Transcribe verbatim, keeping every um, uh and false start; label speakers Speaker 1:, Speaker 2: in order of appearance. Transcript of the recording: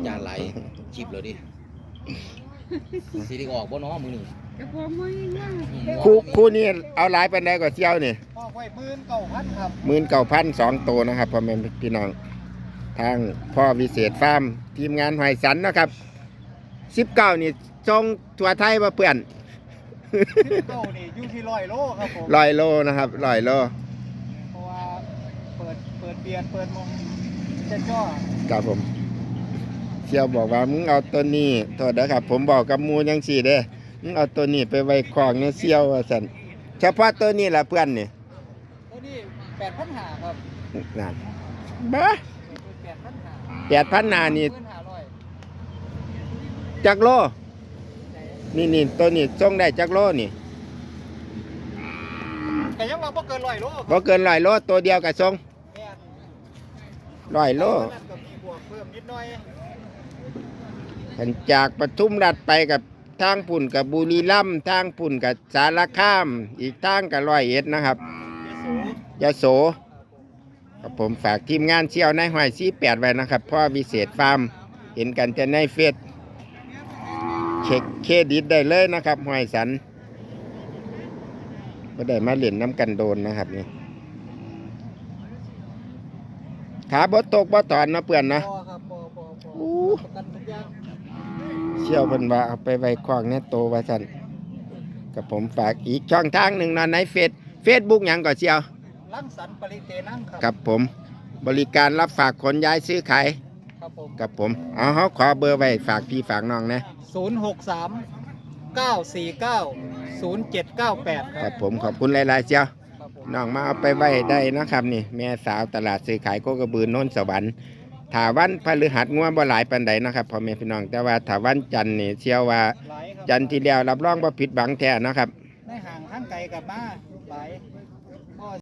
Speaker 1: จารย์ไหลจิบเลยดิสีดีออกบ่น้อมือหนึ่ง
Speaker 2: จะพอไม่ง่าย
Speaker 3: คู่คู่นี้เอาหลายปานใดกว่าเชี่ยวนี่
Speaker 4: พ่อไว้หมื่นเก้าพันครับ
Speaker 3: หมื่นเก้าพันสองตัวนะครับพ่อแม่พี่น้องทางพ่อวิเศษฟาร์มทีมงานหอยสันนะครับสิบเก้านี่จงตัวไทยมาเปื่อน
Speaker 4: สิบเก้านี่อยู่ที่ร้อยโลครับผม
Speaker 3: ลอยโลนะครับลอยโล
Speaker 4: เพราะว่าเปิดเปิดเบียนเปิดมงเจ้าจ้อ
Speaker 3: ครับผมเชี่ยวบอกว่ามึงเอาตัวนี้โทษนะครับ ผมบอกกับหมูยังสี่เด้มึงเอาตัวนี้ไปไว้คลองเนี่ยเชี่ยวว่าสันเฉพาะตัวนี้แหละเพื่อนนี่
Speaker 4: ตัวนี้แปดพันหาครับ
Speaker 3: นั่นบ้า
Speaker 4: แปดพันหา
Speaker 3: แปดพันนานี่
Speaker 4: หมื่นห้าร้อย
Speaker 3: จักโลนี่นี่ตัวนี้ส่งได้จักโลนี่
Speaker 4: แต่ยังว่าบ่เกินร้อยโลครับ
Speaker 3: บ่เกินร้อยโลตัวเดียวกับส่ง
Speaker 4: แม่น
Speaker 3: ร้อยโล
Speaker 4: นั่นก็มีบวกเพิ่มนิดหน่อย
Speaker 3: ขันจากปทุมรัฐไปกับทางปุ่นกับบุรีรัมย์ทางปุ่นกับสารคาม อีกทางกับร้อยเอ็ดนะครับ
Speaker 4: ยโส
Speaker 3: ยะโสครับผมฝากทีมงานเชี่ยวในห้อยสี่แปดไว้นะครับพ่อวิเศษฟาร์มเห็นกันจะในเฟซเช็คเครดิตได้เลยนะครับห้อยสันก็ได้มาเล่นน้ำกันโดนนะครับนี่ขาบดตกบดถอนนะเปื่อนนะ
Speaker 4: พอครับพอพอพอ
Speaker 3: อู้
Speaker 4: ประกันทุกอย่าง
Speaker 3: เชี่ยวเพิ่นว่าเอาไปไว้คล้องในโตว่าซั่นกับผมฝากอีกช่องทางหนึ่งนะในเฟซเฟซบุ๊กหยังก็เชี่ยว
Speaker 4: ลังสันปริเตนังครับ
Speaker 3: กับผมบริการรับฝากขนย้ายซื้อขาย
Speaker 4: ครับผม
Speaker 3: กับผมเอาเฮาขอเบอร์ไว้ฝากพี่ฝากน้องนะ
Speaker 4: ศูนย์หกสามเก้าสี่เก้าศูนย์เจ็ดเก้าแปดค
Speaker 3: ค
Speaker 4: รั
Speaker 3: รั
Speaker 4: บบ
Speaker 3: ผมขอบคุณหลายๆเชี่ยว
Speaker 4: ครับผม
Speaker 3: น้องมาเอาไปไว้ได้นะครับนี่แม่สาวตลาดซื้อขายโคกระบือโน้นสวรรค์ถาวันพฤหัสงัวบ่หลายปานใดนะครับพ่อแม่พี่น้องแต่ว่าถาวันจันทร์นี่เชื่อว่า
Speaker 4: หลายครับ
Speaker 3: จันทร์ที่แล้วรับรองบ่ผิดหวังแท้นะครับ
Speaker 4: ในห่างข้างไกลกับมาหลาย